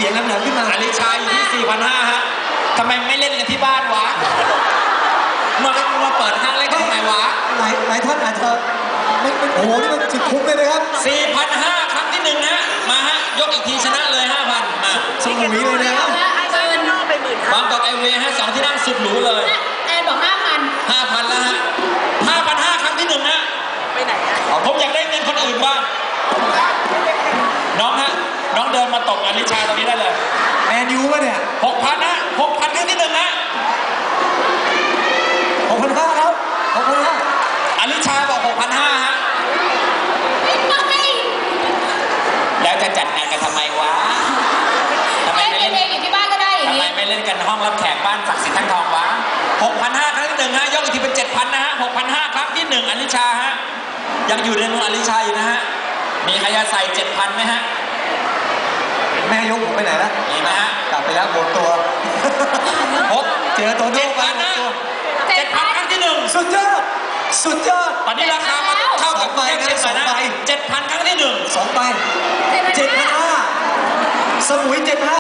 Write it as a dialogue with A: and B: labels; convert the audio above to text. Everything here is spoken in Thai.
A: สียงแหลมๆขึ้นมา
B: อลิชาอยู่ที่ 4,500 ฮะทำไมไม่เล่นกันที่บ้านวะมาเปิดห้างเล่นกันทำไมวะ
A: หลายท่านอาจจะไม่โอ้โหนี่มันสุดคุ้มเลยนะครับ
B: 4,500 ครั้งที่1นะมาฮะยกอีกทีชนะเลย 5,000 มา
A: สมุยเลยนะครับ
B: บางกอกไอเวย์ฮะ2 ที่นั่งสุดหรูเลย
C: แอนบอก
B: 5,000 แล้วฮะ 5,500 ครั้งที่1นะไปไหนอ่ะผมอยากได้เงินคนอื่นบ้างน้องฮะน้องเดินมาตบอลิชาตรงนี้ได้เลย
A: แมนยูป่ะเนี่ย
B: 6,000 นะ 6,000 ครั้งที่1นะ
A: 6,500 ครับ 6,500
B: อลิชาบอก 6,500 ฮะแล้วจะจัดงานกันทำไมวะทำไมไม่เล่น
C: เองอยู่ที่บ้านก็ได้อย่างนี้
B: ทำไมไม่เล่นกันห้องรับแขกบ้านศักดิ์สิทธิ์ทั้งทองวะ 6,500 ครั้งที่1ฮะยกอีกทีเป็น 7,000 นะฮะ 6,500 ครั้งที่1อลิชาฮะยังอยู่ในมืออลิชาอยู่นะฮะมีใครจะใส่ 7,000 ไหมฮะ
A: แม่ยกผมไปไหนแล้ว
B: มีไหมฮะ
A: กลับไปแล้วหมดตัวเจอตัวโน้ไป
B: นะ7,000 ครั้งที่1
A: สุดยอด
B: ตอนนี้ราคามาเท่ากับใบนะ2 ใบ 7,000 ครั้งที่1
A: 2 ใบ 7,500 สมุย 7,500